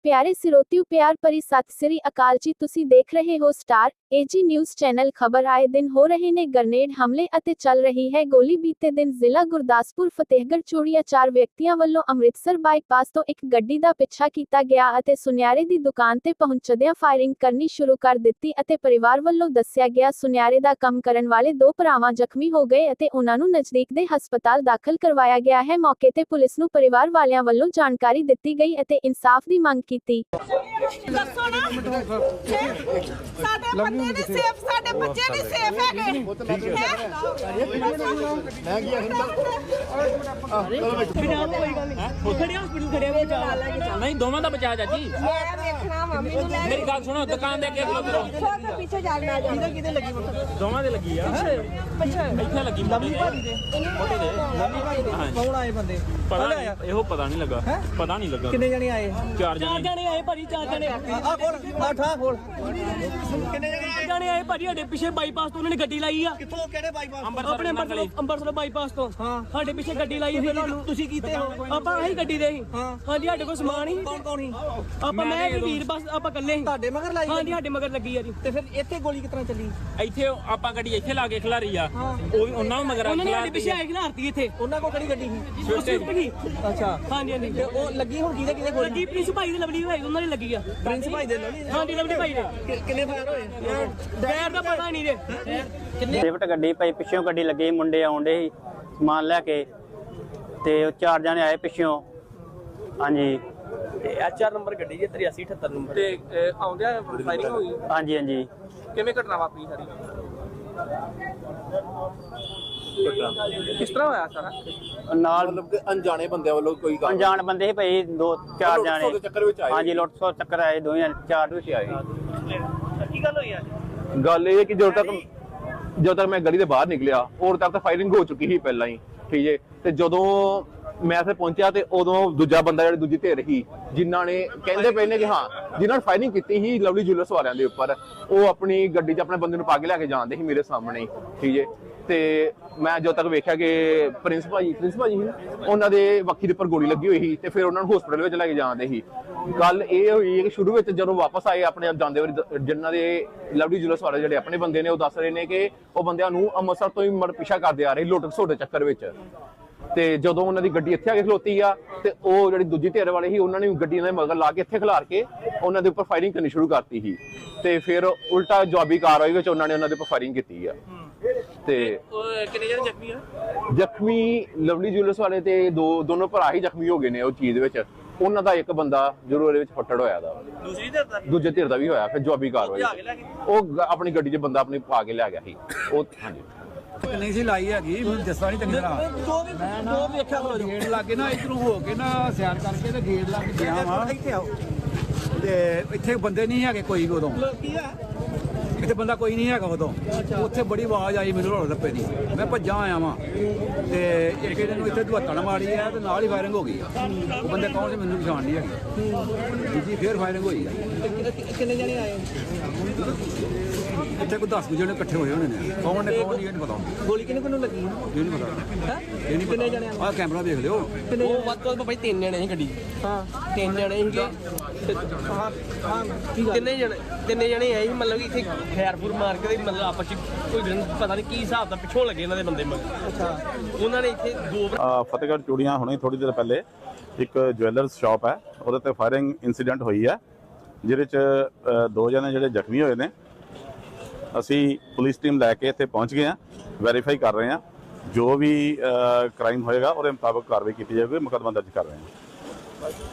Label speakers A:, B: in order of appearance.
A: ਪਿਆਰੇ ਸਿਰੋਤਿਓ ਪਿਆਰ ਭਰੀ ਸਤਿ ਸ੍ਰੀ ਅਕਾਲ ਜੀ। ਤੁਸੀਂ ਦੇਖ ਰਹੇ ਹੋ ਸਟਾਰ ਏਜੀ ਨਿਊਜ਼ ਚੈਨਲ। ਖਬਰ ਆਏ ਦਿਨ ਹੋ ਰਹੇ ਨੇ ਗ੍ਰਨੇਡ ਹਮਲੇ ਅਤੇ ਚੱਲ ਰਹੀ ਹੈ ਗੋਲੀ। ਬੀਤੇ ਦਿਨ ਜ਼ਿਲ੍ਹਾ ਗੁਰਦਾਸਪੁਰ ਫਤਿਹਗੜ੍ਹ ਚੂੜੀਆ 4 ਵਿਅਕਤੀਆਂ ਵੱਲੋਂ ਅੰਮ੍ਰਿਤਸਰ ਬਾਈਪਾਸ ਤੋਂ ਇੱਕ ਗੱਡੀ ਦਾ ਪਿੱਛਾ ਕੀਤਾ ਗਿਆ ਅਤੇ ਸੁਨਿਆਰੇ ਦੀ ਦੁਕਾਨ ਤੇ ਪਹੁੰਚਦਿਆਂ ਫਾਇਰਿੰਗ ਕਰਨੀ ਸ਼ੁਰੂ ਕਰ ਦਿੱਤੀ ਅਤੇ ਪਰਿਵਾਰ ਵੱਲੋਂ ਦੱਸਿਆ ਗਿਆ ਸੁਨਿਆਰੇ ਦਾ ਕੰਮ ਕਰਨ ਵਾਲੇ 2 ਭਰਾਵਾਂ ਜ਼ਖਮੀ ਹੋ ਗਏ ਅਤੇ ਉਹਨਾਂ ਨੂੰ ਨਜ਼ਦੀਕ ਦੇ ਹਸਪਤਾਲ ਦਾਖਲ ਕਰਵਾਇਆ ਗਿਆ ਹੈ। ਮੌਕੇ ਤੇ ਪੁਲਿਸ ਨੂੰ ਪਰਿਵਾਰ ਵਾਲਿਆਂ ਵੱਲੋਂ ਜਾਣਕਾਰੀ ਦਿੱਤੀ ਗਈ ਅਤੇ ਇਨਸਾਫ ਦੀ ਮੰਗ ਕੀਤੀ।
B: ਸਾਡੇ ਬੰਦੇ ਨਹੀਂ ਸੇਫ, ਸਾਡੇ ਬੱਚੇ ਨਹੀਂ ਸੇਫ ਹੈਗੇ।
C: ਨਹੀਂ ਦੋਵਾਂ ਦਾ ਬਚਾ ਚਾਚੀ।
B: ਮੈਂ ਵੇਖਣਾ ਮੰਮੀ ਨੂੰ ਲੈ
C: ਮੇਰੀ ਗੱਲ ਸੁਣੋ, ਦੁਕਾਨ ਦੇ ਅੱਗੇ ਖਲੋ ਕਰੋ।
B: ਪਿੱਛੇ ਜਾਗਣਾ ਜਾ।
D: ਕਿਤੇ ਲੱਗੀ
C: ਦੋਵਾਂ ਦੇ ਲੱਗੀ ਆ।
D: ਅੱਛਾ
C: ਇੱਥੇ ਲੱਗੀ
D: ਲੰਮੀ ਭਾਜੀ ਦੇ
C: ਮੋਟੇ ਦੇ।
D: ਲੰਮੀ ਭਾਜੀ ਦੇ ਕੌਣ ਆਏ ਬੰਦੇ?
C: ਪਤਾ ਨਹੀਂ, ਇਹੋ ਪਤਾ ਨਹੀਂ ਲੱਗਾ। ਪਤਾ ਨਹੀਂ ਲੱਗਾ
D: ਕਿੰਨੇ ਜਣੇ ਆਏ?
C: 4 ਜਣੇ
D: ਆਏ ਭਾਜੀ, 4 ਜਣੇ। ਆ ਖੋਲ, ਆ ਖੋਲ। ਕਿੰਨੇ ਜਣੇ ਆਏ ਭਾਜੀ? ਸਾਡੇ ਪਿੱਛੇ ਬਾਈਪਾਸ ਤੋਂ ਉਹਨਾਂ ਨੇ ਗੱਡੀ ਲਾਈ ਆ। ਕਿੱਥੋਂ? ਕਿਹੜੇ ਬਾਈਪਾਸ? ਆਪਣੇ ਅੰਬਰਸਰ ਬਾਈਪਾਸ ਤੋਂ। ਹਾਂ, ਸਾਡੇ ਪਿੱਛੇ ਗੱਡੀ ਲਾਈ। ਫਿਰ ਤੁਸੀਂ ਕੀਤੇ ਹੋ? ਆਪਾਂ ਆਹੀ ਗੱਡੀ ਦੇ ਸੀ। ਹਾਂਜੀ, ਸਾਡੇ ਕੋਲ ਸਮਾਨ ਹੀ। ਕੌਣ ਸੀ? ਆਪਾਂ ਮੈਂ ਵੀਰ ਬਸ ਆਪਾਂ ਇਕੱਲੇ ਸੀ। ਤੁਹਾਡੇ ਮਗਰ ਲਾਈ? ਹਾਂਜੀ, ਸਾਡੇ ਮਗਰ ਲੱਗੀ ਆ ਜੀ। ਤੇ ਫਿਰ ਇੱਥੇ ਗੋਲੀ ਕਿਤਨਾ ਚੱਲੀ?
C: ਇੱਥੇ ਆਪਾਂ ਗੱਡੀ ਇੱਥੇ ਲਾ ਕੇ ਖਿਲਾਰੀ ਆ। ਉਹ ਵੀ ਉਹਨਾਂ ਨੂੰ ਮਗਰ
D: ਉਹਨਾਂ ਨੇ ਸਾਡੇ ਪਿੱਛੇ ਆਏ ਖਿਲਾਰਤੀ ਇੱਥੇ। ਉਹਨਾਂ ਕੋਲ ਕਿਹੜੀ ਗੱਡੀ ਸੀ?
C: ਸਵਿਫਟ
D: ਸੀ। ਅੱਛਾ, ਹਾਂਜੀ ਹਾਂਜੀ। ਤੇ ਉਹ ਲੱਗੀ ਹੁਣ ਕਿਹਦੇ ਗੋਲੀ? ਲੱਗੀ ਪ੍ਰਿੰਸ ਭਾਈ ਦੇ ਲਵਲੀ ਹੋਏ, ਉਹਨਾਂ ਨੇ ਲੱਗੀ ਆ। ਪ੍ਰਿੰਸ ਭਾਈ ਦੇ ਲਵਲੀ? ਹਾਂਜੀ, ਲਵਲੀ ਭਾਈ ਦੇ। ਕਿੰਨੇ ਫਾਇਰ ਹੋਏ? ਫਾਇਰ ਦਾ ਪਤਾ ਨਹੀਂ ਜੇ।
E: ਸਵਿਫਟ ਗੱਡੀ ਪਈ, ਪਿੱਛੋਂ ਗੱਡੀ ਲੱਗੀ, ਮੁੰਡੇ ਆਉਂਦੇ ਸੀ ਸਮਾਨ ਲੈ ਕੇ ਤੇ ਉਹ 4 ਜਣੇ ਆਏ ਪਿੱਛੋਂ। ਹਾਂਜੀ,
F: ਤੇ HR ਨੰਬਰ ਗੱਡੀ ਜੇ 8378 ਨੰਬਰ ਤੇ ਆਉਂਦਿਆਂ ਫਾਇਰਿੰਗ ਹੋਈ।
E: ਹਾਂਜੀ ਹਾਂਜੀ।
F: ਕਿਵੇਂ ਘਟਨਾ ਵਾਪਰੀ ਸਾਰੀ? ਕਿਸ ਤਰ੍ਹਾਂ ਹੋਇਆ ਸਾਰਾ?
E: ਨਾਲ
G: ਮਤਲਬ ਕਿ ਅਣਜਾਣੇ ਬੰਦਿਆਂ ਵੱਲੋਂ ਕੋਈ ਗੱਲ
E: ਅਣਜਾਣ ਬੰਦੇ ਸੀ ਭਾਈ 2-4
G: ਲੁੱਟ-ਖਸੁੱਟ ਦੇ ਚੱਕਰ ਵਿੱਚ
E: ਜਾਣੇ।
G: ਆਏ।
E: ਹਾਂਜੀ, ਲੁੱਟ ਖਸੁੱਟ ਚੱਕਰ ਆਏ, 2-4 ਵਿੱਚ ਆਏ।
F: ਕੀ ਗੱਲ ਹੋਈ ਅੱਜ?
G: ਗੱਲ ਇਹ ਹੈ ਕਿ ਜਦੋਂ ਤੱਕ ਮੈਂ ਗਲੀ ਦੇ ਬਾਹਰ ਨਿਕਲਿਆ ਉਦੋਂ ਤੱਕ ਤਾਂ ਫਾਇਰਿੰਗ ਹੋ ਚੁੱਕੀ ਸੀ ਪਹਿਲਾਂ ਹੀ, ਠੀਕ ਹੈ। ਤੇ ਜਦੋਂ ਮੈਂ ਇੱਥੇ ਪਹੁੰਚਿਆ ਤੇ ਉਦੋਂ ਦੂਜਾ ਬੰਦਾ ਜਿਹੜੀ ਦੂਜੀ ਧਿਰ ਸੀ ਜਿਨ੍ਹਾਂ ਨੇ ਕਹਿੰਦੇ ਪਏ ਨੇ ਕਿ ਹਾਂ ਜਿਨ੍ਹਾਂ ਨੇ ਫਾਇਰਿੰਗ ਕੀਤੀ ਸੀ ਲਵਲੀ ਜੁਐਲਰਸ ਵਾਲਿਆਂ ਦੇ ਉੱਪਰ, ਉਹ ਆਪਣੀ ਗੱਡੀ 'ਚ ਆਪਣੇ ਬੰਦੇ ਨੂੰ ਪਾ ਕੇ ਲੈ ਕੇ ਜਾਂਦੇ ਸੀ ਮੇਰੇ ਸਾਹਮਣੇ ਹੀ, ਠੀਕ ਹੈ। ਤੇ ਮੈਂ ਜਦੋਂ ਤੱਕ ਵੇਖਿਆ ਕਿ ਪ੍ਰਿੰਸ ਭਾਜੀ ਸੀ ਨਾ, ਉਹਨਾਂ ਦੇ ਵੱਖੀ ਦੇ ਉੱਪਰ ਗੋਲੀ ਲੱਗੀ ਹੋਈ ਸੀ ਤੇ ਫਿਰ ਉਹਨਾਂ ਨੂੰ ਹਸਪੀਟਲ ਵਿੱਚ ਲੈ ਕੇ ਜਾਂਦੇ ਸੀ। ਗੱਲ ਇਹ ਹੋਈ ਕਿ ਸ਼ੁਰੂ ਵਿੱਚ ਜਦੋਂ ਵਾਪਸ ਆਏ ਆਪਣੇ ਆਪ ਜਾਂਦੇ ਵਾਰੀ ਜਿਨ੍ਹਾਂ ਦੇ ਲਵਲੀ ਜੁਐਲਰਸ ਵਾਲੇ ਜਿਹੜੇ ਆਪਣੇ ਬੰਦੇ ਨੇ ਉਹ ਦੱਸ ਰਹੇ ਨੇ ਕਿ ਉਹ ਬੰਦਿਆਂ ਨੂੰ ਅੰਮ੍ਰਿਤਸਰ ਤੋਂ ਹੀ ਪਿੱਛਾ ਕਰਦੇ ਆ ਰਹੇ ਲੁੱਟ ਖਸੁੱਟ ਦੇ ਚੱਕਰ ਵਿੱਚ। ਤੇ ਜਦੋਂ ਉਹਨਾਂ ਦੀ ਗੱਡੀ ਇੱਥੇ ਆ ਕੇ ਖਲੋਤੀ ਆ ਤੇ ਉਹ ਜਿਹੜੀ ਦੂਜੀ ਧਿਰ ਵਾਲੇ ਸੀ ਉਹਨਾਂ ਨੇ ਗੱਡੀ ਦੇ ਮਗਰ ਲਾ ਕੇ ਇੱਥੇ ਖਿਲਾਰ ਕੇ ਉਹਨਾਂ ਦੇ ਉੱਪਰ ਫਾਇਰਿੰਗ ਕਰਨੀ ਸ਼ੁਰੂ ਕਰਤੀ ਸੀ ਤੇ ਫਿਰ ਉਲਟਾ ਜਵਾਬੀ ਕਾਰਵਾਈ ਵਿੱਚ ਉਹਨਾਂ ਨੇ ਉਹਨਾਂ ਦੇ ਉੱਪਰ ਫਾਇਰਿੰਗ ਕੀਤੀ ਆ। ਤੇ
F: ਕਿੰਨੇ ਜਣੇ ਜ਼ਖਮੀ ਆ?
G: ਜ਼ਖਮੀ ਲਵਲੀ ਜੁਐਲਰਸ ਵਾਲੇ ਤੇ ਦੋਨੋਂ ਭਰਾ ਹੀ ਜ਼ਖਮੀ ਹੋ ਗਏ ਨੇ ਉਹ ਚੀਜ਼ ਵਿੱਚ। ਉਹਨਾਂ ਦਾ ਇੱਕ ਬੰਦਾ ਜ਼ਰੂਰ ਇਹਦੇ ਵਿੱਚ ਫੱਟੜ ਹੋਇਆ ਦਾ।
F: ਦੂਸਰੀ ਧਿਰ ਦਾ?
G: ਦੂਜੇ ਧਿਰ ਦਾ ਵੀ ਹੋਇਆ। ਫਿਰ ਜਵਾਬੀ ਕਾਰਵਾਈ ਉਹ ਆਪਣੀ ਗੱਡੀ 'ਚ ਬੰਦਾ ਆਪਣੀ ਪਾ ਕੇ ਲੈ ਗਿਆ ਸੀ ਉਹ। ਹਾਂਜੀ,
H: ਨਹੀਂ ਸੀ ਲਾਈ ਹੈਗੀ, ਮੈਨੂੰ ਦੱਸਦਾ ਨਹੀਂ ਚੰਗੀ ਤਰ੍ਹਾਂ। ਮੈਂ ਨਾ ਵੇਖਿਆ ਗੇਟ ਲੱਗੇ ਨਾ ਇਧਰੋਂ ਹੋ ਕੇ ਨਾ ਸਿਆਰ ਕਰਕੇ ਤੇ ਗੇਟ ਲੱਗ ਗਿਆ ਵਾ। ਇੱਥੇ ਆਓ ਤੇ ਇੱਥੇ ਬੰਦੇ ਨਹੀਂ ਹੈਗੇ ਕੋਈ ਉਦੋਂ। ਇੱਥੇ ਬੰਦਾ ਕੋਈ ਨਹੀਂ ਹੈਗਾ ਉਦੋਂ। ਉੱਥੇ ਬੜੀ ਆਵਾਜ਼ ਆਈ ਮੈਨੂੰ ਰੋਲ ਰੱਪੇ ਦੀ, ਮੈਂ ਭੱਜਾਂ ਆਇਆ ਵਾਂ ਤੇ ਇੱਕ ਇਹਦੇ ਨੂੰ ਇੱਥੇ ਧੁੱਤਣ ਮਾਰੀ ਹੈ ਤੇ ਨਾਲ ਹੀ ਫਾਇਰਿੰਗ ਹੋ ਗਈ। ਉਹ ਬੰਦੇ ਕੌਣ ਸੀ ਮੈਨੂੰ ਪਛਾਣ ਨਹੀਂ ਹੈਗੀ ਜੀ। ਫਿਰ ਫਾਇਰਿੰਗ ਹੋਈ ਆ।
D: ਕਿੰਨੇ ਜਣੇ ਆਏ?
H: ਇੱਥੇ ਕੋਈ 10 ਜਣੇ ਇਕੱਠੇ ਹੋਏ ਹੋਣੇ ਨੇ। ਕੌਣ ਨੇ ਕੌਣ ਨਹੀਂ ਇਹ ਨਹੀਂ ਪਤਾ।
D: ਗੋਲੀ ਕਿਹਨੂੰ ਲੱਗੀ?
H: ਇਹ ਨਹੀਂ ਪਤਾ। ਇਹ ਨਹੀਂ
D: ਕਿੰਨੇ ਜਣੇ?
H: ਆਹ ਕੈਮਰਾ ਦੇਖ ਲਿਓ।
F: ਉਹ ਵੱਧ ਤੋਂ ਵੱਧ ਭਾਈ 3 ਜਣੇ ਸੀ ਗੱਡੀ।
D: ਹਾਂ,
F: 3 ਜਣੇ ਸੀਗੇ।
D: ਹਾਂ ਹਾਂ।
F: ਤਿੰਨੇ ਜਣੇ ਆਏ ਸੀ, ਮਤਲਬ ਕਿ ਇੱਥੇ ਖੈਰਪੁਰ ਮਾਰ ਕੇ ਮਤਲਬ ਆਪਸ ਚ ਕੋਈ ਪਤਾ ਨਹੀਂ ਕੀ ਹਿਸਾਬ ਦਾ ਪਿੱਛੋਂ ਲੱਗੇ ਇਹਨਾਂ ਦੇ ਬੰਦੇ ਮਗਰ।
D: ਅੱਛਾ,
F: ਉਹਨਾਂ ਨੇ ਇੱਥੇ 2
I: ਫਤਿਹਗੜ੍ਹ ਚੂੜੀਆਂ ਹੁਣੇ ਥੋੜੀ ਦੇਰ ਪਹਿਲੇ ਇੱਕ ਜੁਐਲਰਸ ਸ਼ਾਪ ਹੈ, ਉਹਦੇ ਤੇ ਫਾਇਰਿੰਗ ਇਨਸੀਡੈਂਟ ਹੋਈ ਹੈ ਜਿਹਦੇ ਚ 2 ਜਣੇ ਜਿਹੜੇ ਜ਼ਖਮੀ ਹੋਏ ਨੇ। ਅਸੀਂ ਪੁਲਿਸ ਟੀਮ ਲੈ ਕੇ ਇੱਥੇ ਪਹੁੰਚ ਗਏ ਹਾਂ, ਵੈਰੀਫਾਈ ਕਰ ਰਹੇ ਹਾਂ। ਜੋ ਵੀ ਕ੍ਰਾਈਮ ਹੋਏਗਾ ਉਹਦੇ ਮੁਤਾਬਕ ਕਾਰਵਾਈ ਕੀਤੀ ਜਾਵੇਗੀ, ਮੁਕੱਦਮਾ ਦਰਜ ਕਰ ਰਹੇ ਹਾਂ।